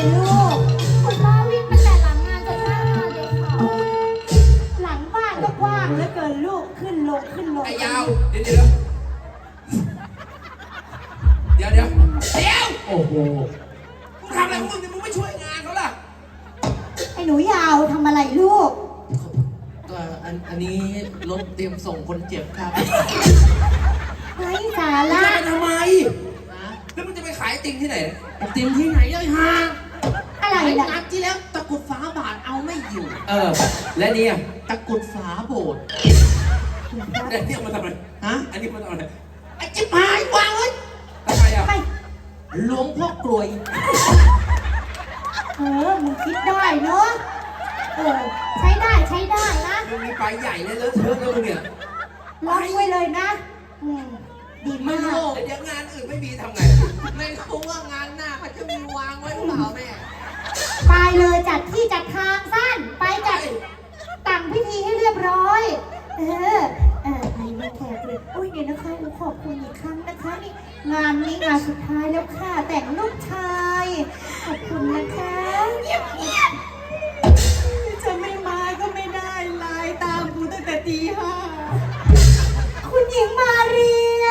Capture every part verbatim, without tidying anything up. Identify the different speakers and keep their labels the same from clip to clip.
Speaker 1: ลูกคุณพ่อวิ่งมาแต่หลังงานจนหน้างานเลยค่ะหลังบ้านก็กว้างเหลือเกินลูกขึ้นลงขึ้นลง
Speaker 2: ไอ้ยาวเดี๋ยวเดี๋ยวเดี๋ยวเดี๋ยวเดี๋ยวโอ้โหมึงทำอะไรของมึงเนี่ยมึงไม่ช่วยงานเขาล่ะ
Speaker 1: ไอ้หนูยาวทำอะไรลูก
Speaker 3: ก็อันอันนี้รถเตรียมส่งคนเจ็บครับ
Speaker 1: ไอ้สา
Speaker 2: มึง
Speaker 1: ระ
Speaker 2: จะไปทำไม
Speaker 3: นะ
Speaker 2: แล้วมึงจะไปขายติ่งที่ไหน
Speaker 3: ไอติมที่ไหนเลยฮะ
Speaker 1: อะไร
Speaker 3: ไอ้
Speaker 1: ล่ะ
Speaker 3: นัดที่แล้วตะกุดฝาบาทเอาไม่อยู่
Speaker 2: เออและเนี่ย
Speaker 3: ตะกุดฝาโบสถ์
Speaker 2: แต่เนี่ยมันทำอะไร
Speaker 3: ฮะ
Speaker 2: อันนี้มันทำอะไร
Speaker 3: ไอ้จิ๊บหายวางไว้
Speaker 2: ทำไมอ่ะ
Speaker 1: ไป
Speaker 3: หลวงพ่อกลวย
Speaker 1: เออมึงคิดได้เนาะเออใช้ได้ใช้ได้นะ
Speaker 2: มึงมีไปใหญ่เลยเลอะเทอะแล้วมึงเนี่ย
Speaker 1: ล็อกไว้เลยนะอืมดี
Speaker 3: ไม่
Speaker 1: มาก
Speaker 3: รู้
Speaker 2: เดี๋ยวงานอื่นไม่มีทำไง
Speaker 3: ไม่รู้ว่างานหน้าเขาจะมีวางไว้หรือเปล่าแม่
Speaker 1: ไปเลยจัดที่จัดทางสั้นไปจัดตั้งพิธีให้เรียบร้อย เออเออไปมาแขกเลยอุ้ยเดี๋ยวนะคะหนูขอบคุณอีกครั้งนะคะนี่งานนี้งานสุดท้ายแล้วค่ะแต่งลูกชายขอบคุณนะคะเงียบเงียบจะไม่มาก็ไม่ได้ไลน์ตามกูตั้งแต่ตีห้าคุณหญิงมาเรีย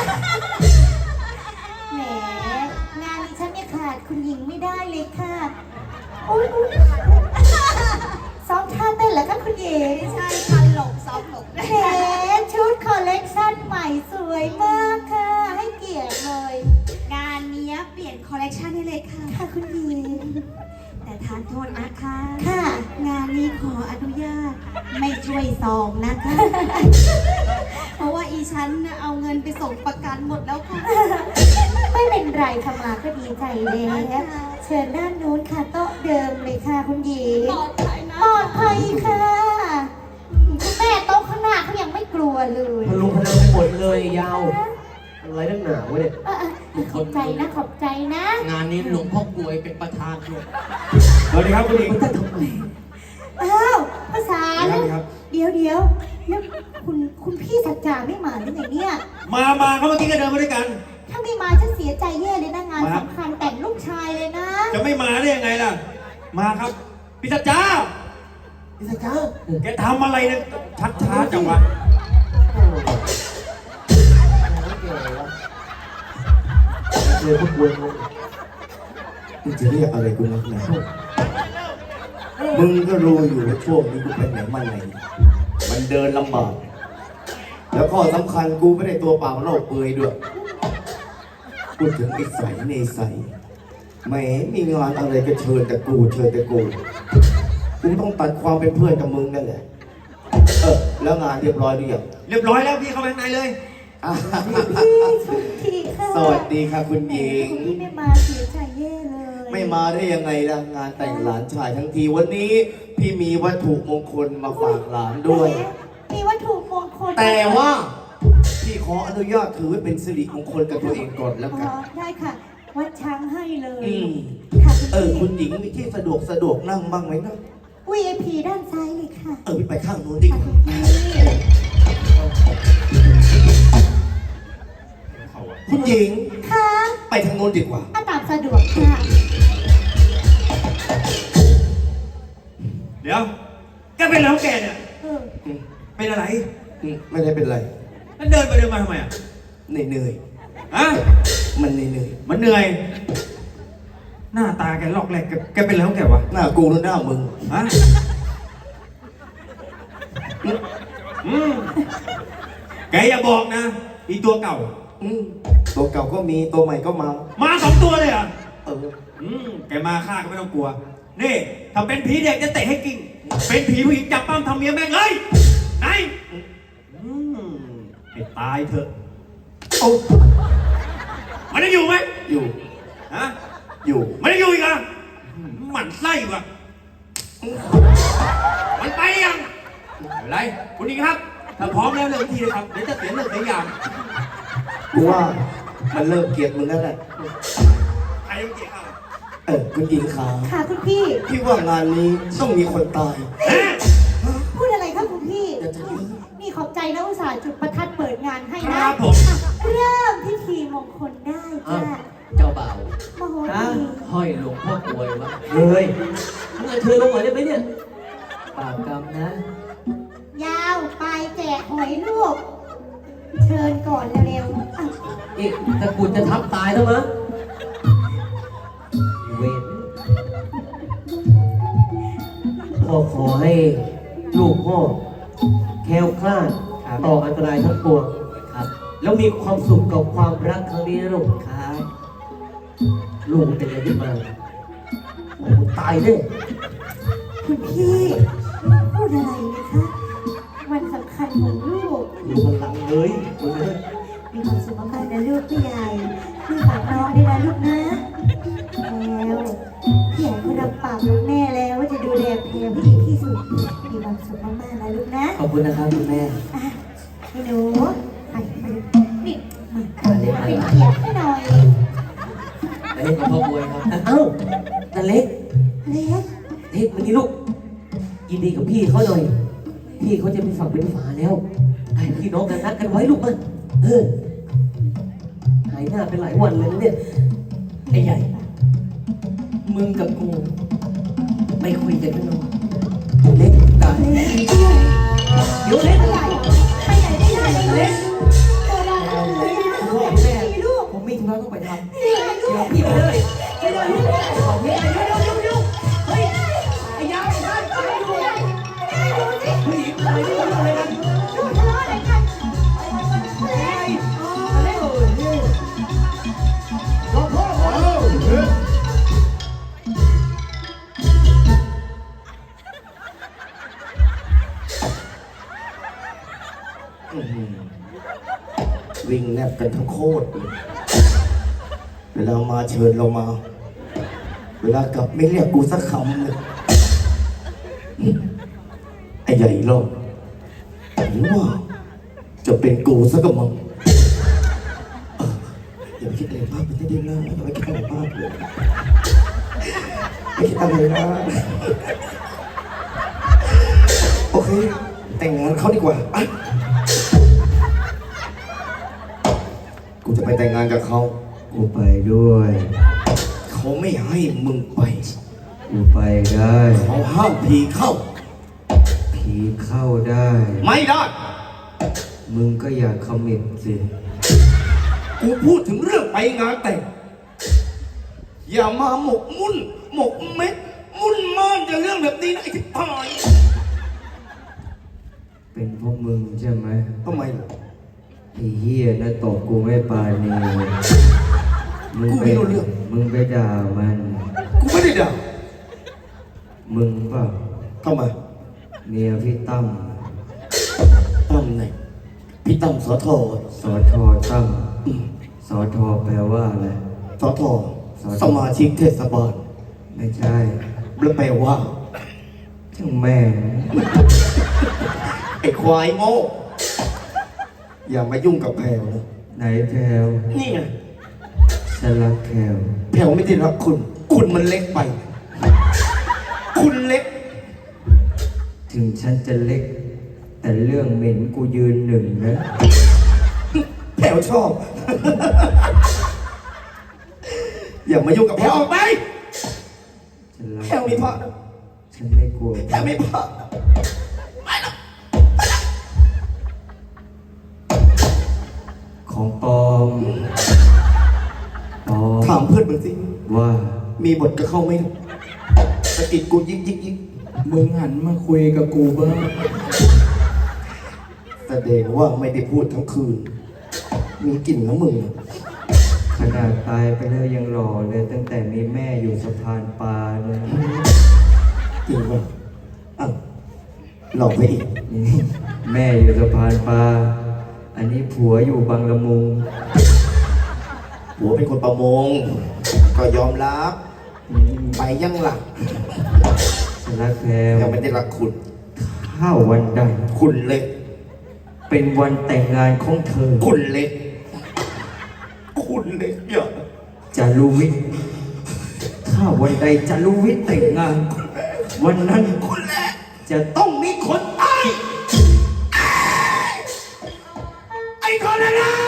Speaker 1: แหมงานนี้ฉันไม่ขาดคุณหญิงไม่ได้เลยค่ะอุ้ยอุ๊ยซ้อมท่าเต้นแล้วก็คุณหญิงใช่ค่ะหลบซ้อมหลบแหมชุดคอลเลกชันใหม่สวยมากค่ะ ให้เกียรติเลย
Speaker 4: งานนี้เปลี่ยนคอลเลกชันให้เลยค่ะ
Speaker 1: ค่ะคุณหญิง
Speaker 4: แต่ทานโทษนะคะ
Speaker 1: ค่ะ
Speaker 4: งานนี้ขออนุญาตไม่ช่วยซองนะคะ เพราะว่าอีฉันน่ะเอาเงินไปส่งประกันหมดแล้วค่ะ
Speaker 1: ไม่เป็นไรค่ะมาก็ดีใจแล้วเชิญด้านนู้นค่ะโต๊ะเดิมเลยค่ะคุณหญิง
Speaker 4: ปลอดภัยนะ
Speaker 1: ปลอดภัยค่ะคุณแม่โต๊ะข้างหน้าเขายังไม่กลัวเลย
Speaker 3: พลุงพลังไปหมดเลยยาวอะไรตั้งหนาวะเนี่ย
Speaker 1: เออเออขอบใจนะขอบใจนะ
Speaker 3: งานนี้หลวงพ่อกลวยเป็นประธานด้วย
Speaker 5: สวัสดีครับคุณหญิง
Speaker 3: แต่ทำไม
Speaker 1: อ้าวภาษา
Speaker 5: ครั
Speaker 1: แล้
Speaker 5: บ
Speaker 1: ว
Speaker 5: ครับ
Speaker 1: เดี๋ยวเดี๋ยวแล้วคุณคุณพี่สัจจาไม่มาหรือไงเนี่ย
Speaker 5: มามาเขาเมื่อกี้ก็เดินมาด้วยกัน
Speaker 1: ถ้าไม่มาฉันเสียใจแย่เลยนะงาน
Speaker 5: มา
Speaker 1: สำคัญแต่งลูกชายเลยนะ
Speaker 5: จะไม่มาได้ยังไงล่ะ มาครับพี่สัจจา
Speaker 3: พี่สัจจา
Speaker 5: แกทำอะไรเนี่ยชักช้าจังวะ
Speaker 3: เจอพวกกลวย
Speaker 6: มึงจะเรียกอะไรกูนักหนามึงก็รู้อยู่ว่าช่วงนี้กูเป็นไหนมาไหน มันเดินลำบาก แล้วข้อสำคัญกูไม่ได้ตัวเปล่าโลกเปลือยด้วยพูดถึงไอ้ใสในใสแหมมีงานอะไรก็เชิญแต่กูเชิญแต่กู กูต้องตัดความเป็นเพื่อนกับมึงนั่นแหละ เออ แล้วงานเรียบร้อยหรือยัง
Speaker 5: เรียบร้อยแล้วพี่เข้าไปข้างในเลย
Speaker 6: อ่ะ
Speaker 1: พี่สุธีค่ะ
Speaker 6: สวัสดีค่ะคุณหญิง
Speaker 1: คุณพี่ไม่มาเสียใจแย่เลย
Speaker 6: ไม่มาได้ยังไงล่ะงานแต่งหลานชายทั้งทีวันนี้พี่มีวัตถุมงคลมาฝากหลานด้วย
Speaker 1: แหมมีวัตถุมงคล
Speaker 6: แต่ว่าพี่ขออนุญาตถือไว้เป็นสิริมงคลกับตัวเองก่อนแล้ว
Speaker 1: อ๋
Speaker 6: กัน
Speaker 1: อได้ค่ะ วัดช้างให้เลย
Speaker 6: อืม
Speaker 1: ค่ะ
Speaker 6: เออ
Speaker 1: คุ
Speaker 6: คุณ ณหญิงมีที่สะดวกสะดวกนั่งบ้างไหมนะ
Speaker 1: วี ไอ พี ด้านซ้ายเลยค่ะ
Speaker 6: เออพี่ไปข้างนู้นดีก
Speaker 1: ค่ะ
Speaker 6: ว่า
Speaker 1: คุณพี่
Speaker 6: คุณหญิง
Speaker 1: ค่ะ
Speaker 6: ไปทางนู้นดีกว่า
Speaker 1: อาตามสะดวกค่ะ
Speaker 5: เดี๋ยวแกเป็นอะไรของแกเนี่ย
Speaker 1: เออ
Speaker 6: อืม
Speaker 5: เป็นอะไร
Speaker 6: อืมไม่ได้เป็นไร
Speaker 5: แล้วเดินไปเดินมาทำไมอ่ะ
Speaker 6: เหนื่อย
Speaker 5: ฮะ
Speaker 6: ๆมันเหนื่อย
Speaker 5: มันเหนื่อย หน้าตาแกลอกแหลกแกแกเป็นอะไรของแกวะ
Speaker 6: ๆหน้ากูหรือหน้ามึง
Speaker 5: ฮะอืมแกอย่าบอกนะอีตัวเก่า
Speaker 6: อืมตัวเก่าก็มีตัวใหม่ก็มา
Speaker 5: มาสองตัวเลยเหรอ่ะ
Speaker 6: เออ
Speaker 5: อืมแกมาฆ่าก็ไม่ต้องกลัว นี่ ถ้าเป็นผีเด็กจะเตะให้กิ่ง เป็นผีผู้หญิงจับปั้มทำเมียแม่งเลยไหนอืมให้ตายเถอะ
Speaker 6: โอ้
Speaker 5: มันยังอยู่ไหม
Speaker 6: อยู่
Speaker 5: ฮะ
Speaker 6: อยู่
Speaker 5: มันยังอยู่อีกเหรอ่ะหมันไส้ว่ะมันไปยังไม่เป็นไรคุณหญิงครับ ถ้าพร้อมแล้วเริ่มทีเลยครับ เดี๋ยวจะเสียเรื่องเสียอย่าง
Speaker 6: กูว่ามันเริ่มเกลียดมึงแล้วแหละ
Speaker 5: ใครยังเกลียดเขา
Speaker 6: เออคุณหญิงขา
Speaker 1: ค่ะคุณพี่
Speaker 6: พี่ว่างานนี้ต้องมีคนตาย
Speaker 5: เอ๊ะ
Speaker 1: พูดอะไรครับคุณพี่
Speaker 6: อย่าจะยื้อ
Speaker 1: นี่ขอบใจนะอุตส่าห์จุดประทัดเปิดงานให้
Speaker 5: ค
Speaker 1: นะ
Speaker 5: รับผม
Speaker 1: อ่ะเริ่มพิธีมงคลได้จ้ะ
Speaker 3: เจ้าบ่าว
Speaker 1: มโห
Speaker 3: ฮะ
Speaker 1: รี
Speaker 3: ห้อยหลวงพ่อกลวยวะเฮ้ยมึงเอาเชิญลงหน่อยได้ไหมเนี่ยปากกรรมนะ
Speaker 1: ยาวไปแจกหอยลูก เชิญก่อนเร็วๆอ่ะ
Speaker 3: อีกตะกรุดจะทับตายแล้วมั้งเวรพ่อขอให้ลูกพ่อแคล้วคลาดต่ออันตรายทั้งปวงครับ แล้วมีความสุขกับความรักครั้งนี้นะลูกครับลูกเป็นอะไรขึ้นมาโอ้ตายแน่
Speaker 1: คุณพี่พูดอะไรนะคะวันสำคัญของลูก
Speaker 3: มีพลังเลยคุณนะ
Speaker 1: มีความสุขมากๆนะลูกพี่ใหญ่พี่ฝากน้องด้วยนะลูกนะแล้วพี่ใหญ่ก็รับปากกับแม่แล้วว่าจะดูแลเพลงให้ดีที่สุดมีความสุขมากๆนะลูกนะ
Speaker 3: ขอบคุณนะครับคุณแม่
Speaker 1: อ่ะให้หนูไปไปนี่มา
Speaker 3: มาเล็ก
Speaker 1: เป็นเกียรติให้หน่อย
Speaker 3: มาเล็กกับพ่อบวยครับเอ้าตาเล็ก
Speaker 1: เล็ก
Speaker 3: เล็กมานี่ลูกยินดีกับพี่เขาหน่อยพี่เขาจะเป็นฝั่งเป็นฝาแล้วไอ้พี่น้องกันนัดกันไว้ลูกมันเออหายหน้าเป็นหลายวันเลยนะเนี่ยไอ้ใหญ่มึงกับกูไม่คุยกันกันหรอกเล็กตาย
Speaker 1: เล็ก
Speaker 3: เดี๋ยวเล็ก
Speaker 1: ใหญ่ไปไหนไม่ได้เลยเล็กโตแล้วเล็ก
Speaker 3: พ่อแม่ผมมีธุระต้องไปทำเดี๋ยวพี่ไปเลยไปเลยขอพี่ไปเร็วเร็วเร็วเร็วเฮ้ยไอ้ยาวไอ้ท่านไปดูเฮ้ยอะไรที่ทำอะไรกัน
Speaker 1: ลูกทะเลาะอะไรกัน
Speaker 3: เฮ้ยเร็วเร็วรอพ่อขอ
Speaker 6: อื้อหือวิ่งแนบกันทั้งโคตรเลยเวลามาเชิญเรามา เวลากลับไม่เรียกกูสักคำเลยไอ้ใหญ่รอบหรือว่า จะเป็นกูสักกะมังเอออย่าไปคิดอะไรมากไปที่เดียวนะอย่าไปคิดอะไรมากเลยไม่คิดอะไรนะโอเค แต่งงานเขาดีกว่าอ่ะกูจะไปแต่งงานกับเขา
Speaker 7: กูไปด้วย
Speaker 6: เขาไม่ให้มึงไป
Speaker 7: กูไปได้
Speaker 6: เขาห้ามผีเข้า
Speaker 7: ผีเข้าได้
Speaker 6: ไม่ได้
Speaker 7: มึงก็อย่าคอมมิตสิ
Speaker 6: กูพูดถึงเรื่องไปงานแต่ง อย่ามาหมกมุ่น หมกเม็ด มุ่นม่านจะเรื่องแบบนี้นะไอ้ที่พาย
Speaker 7: เป็นพวกมึงใช่ไหม
Speaker 6: ทำไมล่ะ
Speaker 7: ไอ้เหี้ยนะตบกูไม่ปานีมึง
Speaker 6: กู
Speaker 7: ไป
Speaker 6: ไม่รู้เรื่อง
Speaker 7: มึงไปด่ามัน
Speaker 6: กูไม่ได้ด่า
Speaker 7: มึงเปล่า
Speaker 6: ทำไม
Speaker 7: เมียพี่ตั้ม
Speaker 6: ตั้มไหนพี่ตั้มสอทอ
Speaker 7: สอทอตั้มสอทอแปลว่าอะไร
Speaker 6: สอทอ
Speaker 7: สอทอ
Speaker 6: สมาชิกเทศบาล
Speaker 7: ไม่ใช่
Speaker 6: แล้วแปลว่า
Speaker 7: ช่างแม่
Speaker 6: ไอ้ควายโง่อย่ามายุ่งกับแพรวนะ
Speaker 7: ไหนแพลว
Speaker 6: นี่ไง
Speaker 7: ฉันรักแพลว
Speaker 6: แพรวไม่ได้รักคุณ คุณมันเล็กไป คุณเล็ก
Speaker 7: ถึงฉันจะเล็ก แต่เรื่องเหม็นกูยืนหนึ่งนะ
Speaker 6: แพรวชอบ อย่ามายุ่งกับแพรวออกไป
Speaker 7: ฉันรัก
Speaker 6: แพรวมีพระนะ
Speaker 7: ฉันไม่กลัว
Speaker 6: แพรวมีพระ
Speaker 7: ของปลอมปลอม
Speaker 6: ถามเพื่อนมึงสิ
Speaker 7: ว่า
Speaker 6: มีบทกับเขาไหมสะกิดกูยิกยิกยิก
Speaker 3: มึงหันมาคุยกับกูบ้าง
Speaker 6: แสดงว่าไม่ได้พูดทั้งคืน มีกลิ่นน้ำมึงนะ
Speaker 7: ขนาดตายไปแล้วยังหล่อเลย ตั้งแต่มีแม่อยู่สะพานปลาเลย
Speaker 6: จริงป่ะอ่ะหลอกไปอีก
Speaker 7: นี่แม่อยู่สะพานปลา อันนี้ผัวอยู่บางละมุง
Speaker 6: หัวเป็นคนประมง ก็ยอมรับ ไปยังหลัก
Speaker 7: ฉันรักแพลว
Speaker 6: ยังไม่ได้รักคุณ
Speaker 7: ถ้าวันใด
Speaker 6: คุณเล็ก
Speaker 7: เป็นวันแต่งงานของเธอ
Speaker 6: คุณเล็ก คุณเล็กอย่า
Speaker 7: จารุวิทย์ถ้าวันใดจารุวิทย์แต่งงาน วันนั้น
Speaker 6: คุณเล็ก
Speaker 7: จะต้องมีคนตาย
Speaker 6: ไอ้คนนั้น